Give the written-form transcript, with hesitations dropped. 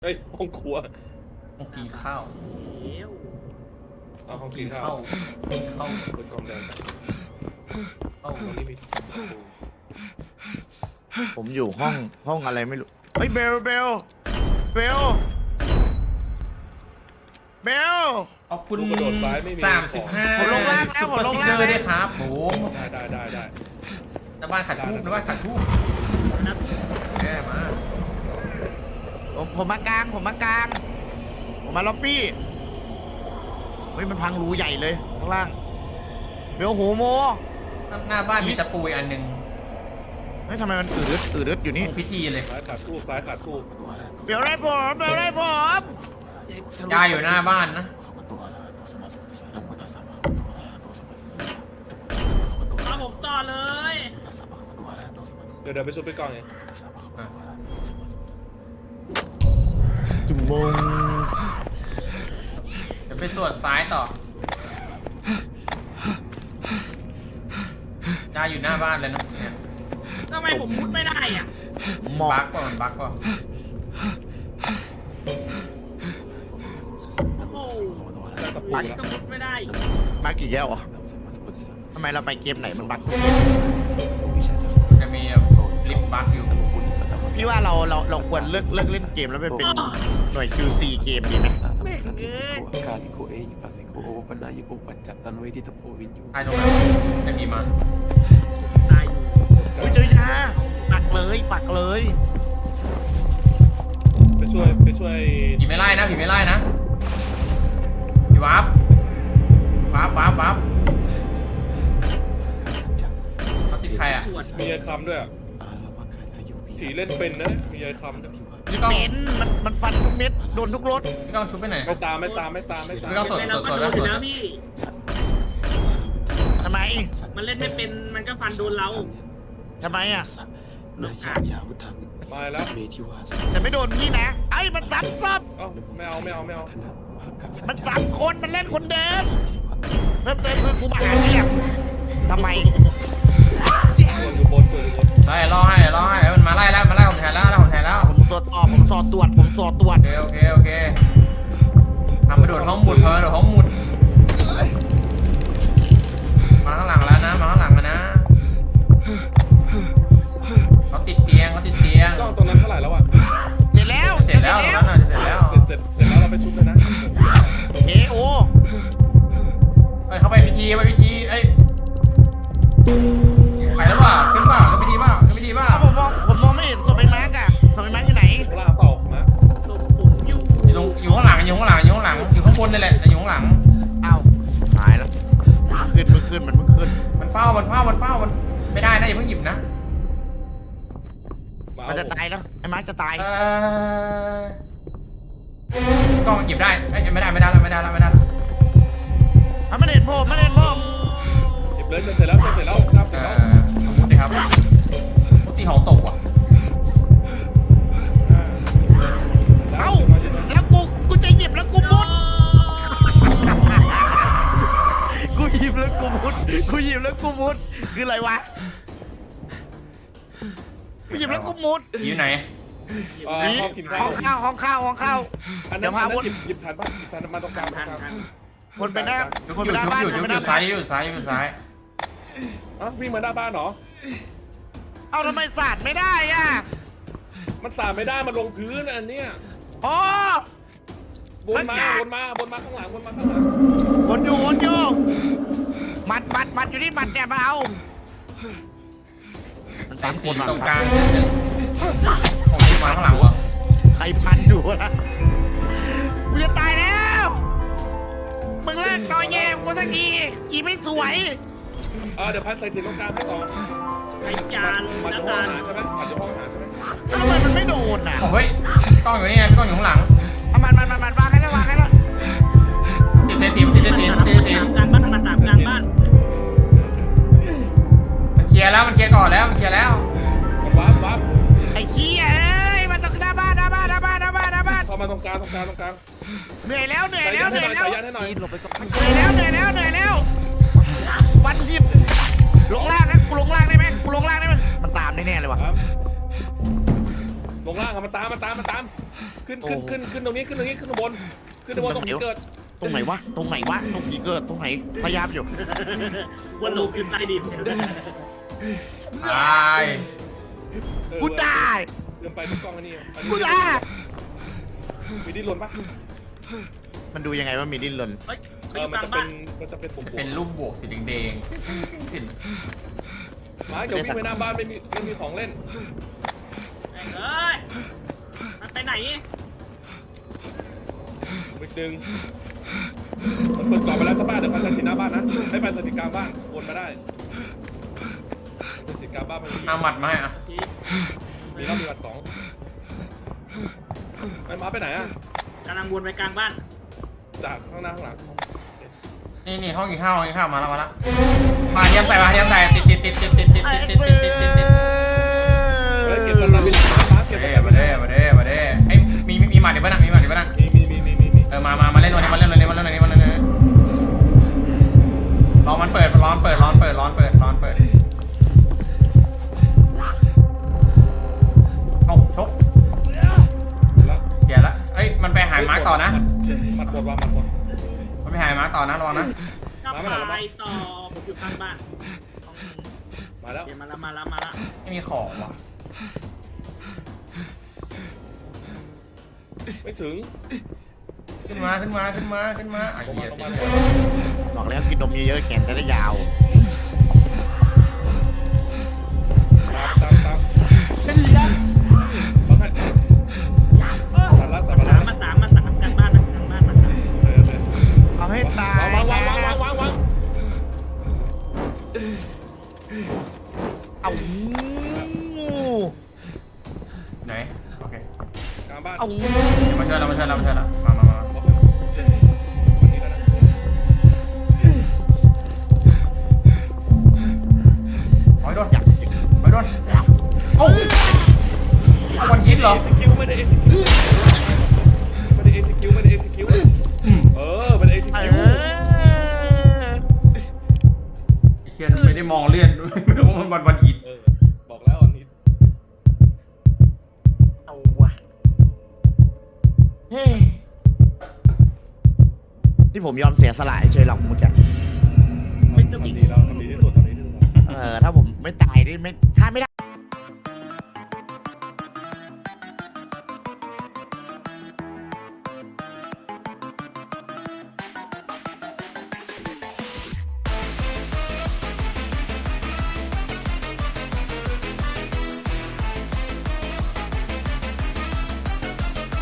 เฮ้ยห้องครัวต้องกินข้าวเอาห้องกิกินนข้าข้าว วกินข้าวเปิดกล่องแดงข้าวตรงนี้มีผมอยู่ห้องอะไรไม่รู้เฮ้ยเบลเบลขอบคุณลูกกระโดดซ้ายไม่มี 35 ผมลงล่างนะซุปผมเปอร์ลสงติ๊กล่างเกอร์นะด้วยครับโอ้โหได้หน้าบ้านขัดทูบหน้าบ้านขัดทูบแย่มากผมมากลางผมมาล็อบบี้เฮ้ยมันพังรูใหญ่เลยข้างล่างเบลโหโมหน้าบ้านมีตะปูอีกอันหนึ่งเฮ้ยทำไมมันอืดอยู่นี่พิธีเลยซ้ายขาดทูบซ้ายขาดทูบเบลได้ผมยายอยู่หน้าบ้านนะเอาผมต่อเลยเดี๋ยวไปซุปไปกล่องเองอ่ะจุ่มมงเดี๋ยวไปสวดซ้ายต่อ ยายอยู่หน้าบ้านเลยนะเนี่ยทำไมผมมุดไม่ได้อ่ะหมอบั๊กกป่ะมันบั๊กป่ะโอ้โหได้ตะปูก็แล้วมุดไม่ได้บักกี่แก้วอ่ะทำไมเราไปเกมไหนมันบักทุกเกมจะมีลิฟต์บั๊กอยู่พี่ว่าเราควรเลิกเล่นเกมแล้วไปเป็นหน่วย QC เกมดีไหมแม่งเอ้ยไอ้ตรงนั้นจะมีมาตายอยู่อุ้ยเจอยาปักเลยไปช่วยผีไม่ไล่นะผีไม่ไล่นะผีวาร์ปเขาติดใครอ่ะตรวจมียายคำด้วยอะผีเล่นเป็นนะมียายคำด้วยพี่ก้องเป็นมันฟันทุกเม็ดโดนทุกรถพี่ก้องชุบไปไหนไม่ตามไม่ต้องสดแต่เราก็โดนอยู่แล้วพี่ทำไมมันเล่นไม่เป็นมันก็ฟันโดนเราทำไมอ่ะมาแล้วแต่ไม่โดนพี่นะไอ้มันซ้ำซับเอ้าไม่เอามันซ้ำคนมันเล่นคนเดิมเพิ่มเติมคือกูมาหาเรียกทำไมตัวอยู่บนได้รอให้มันมาไล่ผมแทนแล้วผมสอดตรวจโอเคทำมาโดดห้องหมุดมาข้างหลังแล้วนะมาข้างหลังนะเขาติดเตียงกล้องตรงนั้นเท่าไหร่แล้วอ่ะเสร็จแล้วเสร็จแล้วตรงนั้นน่ะเสร็จแล้วเสร็จแล้วเราไปชุบเลยนะเอโอเข้าไปพิธีเอ้ยไปแล้วว่ะขึ้นเปล่าขึ้นพิธีเปล่าผมมองไม่เห็นศพไอ้มาร์กอะศพไอ้มาร์กอยู่ไหนข้างล่างเปล่ามาผมอยู่อยู่ข้างหลังอยู่ข้างบนนี่แหละแต่อยู่ข้างหลังเอ้าหายแล้วมันเพิ่งขึ้นมันเฝ้ามันไม่ได้นะอย่าเพิ่งหยิบนะมันจะตายแล้วไอ้มาร์กจะตายกล้องหยิบได้ไม่ได้แล้วมันไม่เห็นผมหยิบเลยจะเสร็จแล้วครับเสร็จแล้วพูดดิครับพูดที่ของตกว่ะเอ้าแล้วกูจะหยิบแล้วกูมุดกูหยิบแล้วกูมุดคืออะไรวะกูหยิบแล้วกูมุดอยู่ไหนห้องกินข้าวห้องข้าวอันเดี๋นั้ยวน พาวนหยิบทันป่ะมาตรงกลางทันวนไปหน้าอยู่วนไปหน้าบ้านอยู่ซ้ายอ๋อวิ่งมาหน้าบ้านเหรอเอาทำไมสาดไม่ได้อ่ะมันสาดไม่ได้มันลงพื้นอันเนี้ยอ๋อวนมาข้างหลังวนอยู่มัดอยู่นี่มัดเนี่ยมาเอามันสาม 3 คนว่ะตรงกลางของที่มาข้างหลังวะใครพันอยู่นะกูจะตายแล้วมึงเลิกต่อแย่กูสักทีอีไม่สวยเดี๋ยวพันใส่จิตตรงกลางให้ต่อไอ้จานมันนะจะห้องจาอาน หารใช่ไหมมันจะห้องอาหารใช่ไหมทำไมมันไม่โดนอ่ะเฮ้ยกล้องอยู่นี่ไงกล้องอยู่ข้างหลังเอามันวางให้แล้วติดเศษทีมกลางบ้านมาสามกลางบ้านมันเคลียร์ก่อนแล้วมันเคลียร์แล้วมันวับไอ้เหี้ยเอ้ยมันต้องหน้าบ้านเข้ามาตรงกลางเหนื่อยแล้วใส่ยันให้หน่อยวันหยิบลงล่างนะกูลงล่างได้ไหมมันตามแน่ๆเลยว่ะครับลงล่างอะมันตามขึ้นตรงนี้ขึ้นข้างบนขึ้นตรงที่เกิดตรงไหนวะตรงไหนเกิดตรงไหนพยายามอยู่วนลูกขึ้นใต้ดินตายกูตายเดินไปทุกกล้องอันนี้กูตายมีดิ้นรนปะมันดูยังไงว่ามีดิ้นรนเฮ้ยไปเอออยู่กลางมันจะเป็นปุ่มเป็นรูปบวกสีแดงๆขึ้นมาเดี๋ยววิ่งไปหน้าบ้านไม่มีของเล่นแม่งเอ้ยมันไปไหนอีกดึงมันเปิดกล่องไปแล้วใช่ป่ะเดี๋ยวไปสถิตหน้าบ้านนะให้ไปสถิตกลางบ้านวนมาได้สถิตกลางบ้านมันเอาหมัดมาให้อ่ะทีมีรอบมีวัด2ไอ้มาไปไหนอะกำลังวนไปกลางบ้านจากข้างหน้าข้างหลังนี่ห้องกินข้าวมาแล้วมาเทียมใส่ติดเฮ้ยเก็บตะลาบินมาเก็บตะลาบินมาเด้ไอ้มีหมัดเดี๋ยวบ้างมีหมัดเดี๋ยวบ้างมีมาเล่นวันนี้มาเล่นรอมันเปิดร้อนเปิดเอาชกแล้วเสียละเอ้ยมันไปหายไม้ต่อนะมัดหมดว่ะมัดหมดมันไปหายไม้ต่อนะระวังนะก็ไปต่อผมอยู่ข้างบ้านมาแล้วเดี๋ยวมาละไม่มีของว่ะไม่ถึงขึ้นมาอ่ะลงเหี้มายบอกแล้วกินนมเยอะๆแขนจะได้ยาวตามบังให้ตัดละมาสามกลางบ้านนะกลางบ้านมาสามเอาให้ตายวางเอาไหนโอเคกลางบ้านเอามาเชิญเรามาโอ้ยโดนเอ้าวันฮิตเหรอไม่ได้ execute ไม่ได้ execute ไม่ได้ execute ไม่ได้ execute เคียนไม่ได้มองเลือดไม่รู้ว่ามันวันฮิตบอกแล้วอันนี้เอาว่ะเฮ้ยที่ผมยอมเสียสละเฉยหรอกเมื่อกี้ทำดีที่สุดถ้าผมไม่ตายนี่ไม่ถ้าไม่ได้